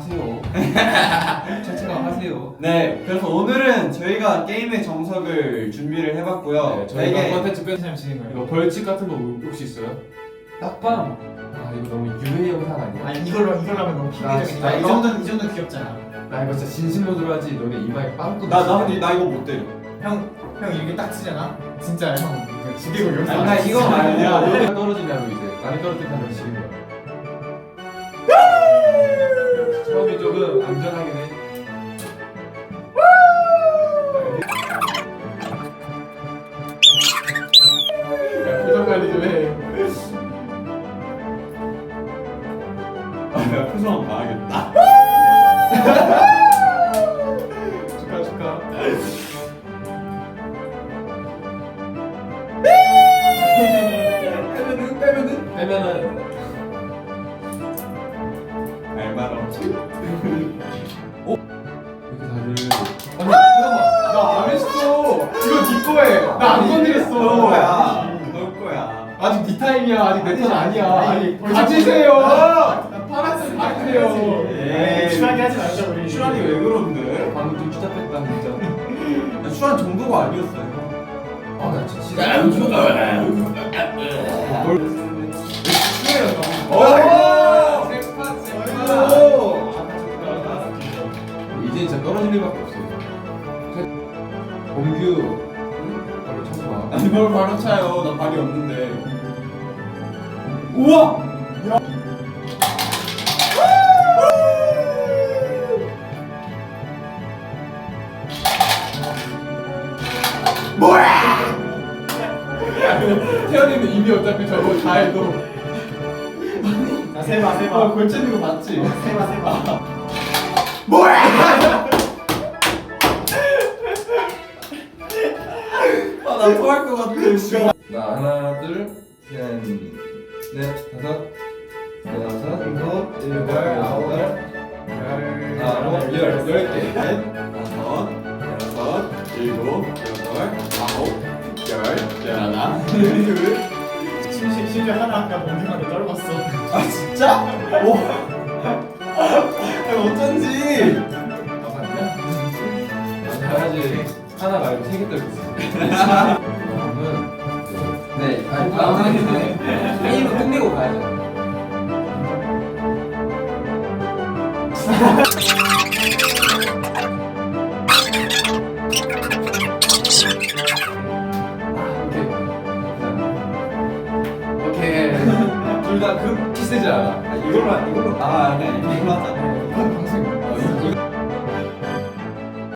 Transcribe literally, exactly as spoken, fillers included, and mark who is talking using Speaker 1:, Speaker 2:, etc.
Speaker 1: 하세요. 채팅방 하세요.
Speaker 2: 네, 그래서 오늘은 저희가 게임의 정석을 준비를 해봤고요.
Speaker 1: 네, 저희가
Speaker 2: 되게
Speaker 1: 컨텐츠 뺀
Speaker 3: 사람 진행 거예요.
Speaker 1: 이거 벌칙 같은 거 혹시 있어요? 딱밤. 아 이거 너무 유해 영상 아니야?
Speaker 3: 아 이걸로 이걸로 하면 너무
Speaker 1: 나
Speaker 3: 핑계적이다. 이
Speaker 1: 이거-
Speaker 3: 정도는 이 정도 귀엽잖아.
Speaker 1: 나 이거 진짜 진심으로 하지. 너네 이마에 빵꾸.
Speaker 2: 나, 나 근데 나 이거 못 때려.
Speaker 3: 형, 형 이렇게 딱 치잖아. 진짜 형 이거 지대고 여기서
Speaker 2: 아니, 나
Speaker 3: 안
Speaker 2: 이거
Speaker 3: 치잖아.
Speaker 2: 말고.
Speaker 1: 야, 너가 떨어지냐고 이제. 많이 떨어뜨리면 지는 거야. 처음이 조금 안전하긴 해. 야, 표정 관리 좀 해.
Speaker 2: 아, 내가 표정 봐야겠다.
Speaker 1: 축하 축하.
Speaker 2: 빼면은, 빼면은.
Speaker 1: 빼면은
Speaker 2: 알말 없지.
Speaker 1: 이렇게 다들. 아니 잠깐만. 나 안 했어. 이거 네 거에. 나 안 건드렸어.
Speaker 2: 너 거야. 너 거야.
Speaker 1: 아직 네 타임이야. 아직 내 턴 아니야.
Speaker 3: 아니,
Speaker 1: 아니 가지세요. 파란색 가지세요.
Speaker 2: 에이.
Speaker 3: 추하게 하지 말자 우리.
Speaker 2: 슈란이 왜 그런데?
Speaker 1: 방금 좀 추잡했다 진짜.
Speaker 2: 슈란 정도가 아니었어요.
Speaker 1: 아, 나 진짜. 뭘?
Speaker 2: 오!
Speaker 1: 잭팟,
Speaker 2: 오!
Speaker 1: 이제 진짜 떨어질 일밖에 없어. 범규, 바로 쳐서 봐.
Speaker 2: 아니 뭘 바로 차요? 나 발이 없는데. 우와!
Speaker 1: 태연이는 이미 어차피 저거 다 해도.
Speaker 3: 자 세봐
Speaker 2: 어,
Speaker 3: 세봐.
Speaker 2: 걸치는 거 봤지?
Speaker 3: 세봐 세봐.
Speaker 2: 아, 나 토할 것 같아. 씨.
Speaker 1: 나 하나, 둘, 셋, 넷, 다섯, 여섯, 일곱,
Speaker 2: 여덟, 아홉,
Speaker 1: 열,
Speaker 2: 아홉, 열, 열 개. 넷, 다섯, 여섯, 일곱, 여덟, 아홉, 열, 하나, 둘.
Speaker 3: 심심 심지어 하나 아까 몽딩하게 떨궜어.
Speaker 2: 아 진짜? 오. 아, 어쩐지.
Speaker 1: 해야지. 하나 말고 세 개 떨고 있어. 그러면
Speaker 2: 네, 아니 다음 하겠네. 게임은 끝내고 가야죠.
Speaker 1: 오케이. 오케이. 둘 다 그 키스지 않아.
Speaker 2: 아, 이걸로 하- 이걸로 아 아니 아니 이걸로 하자.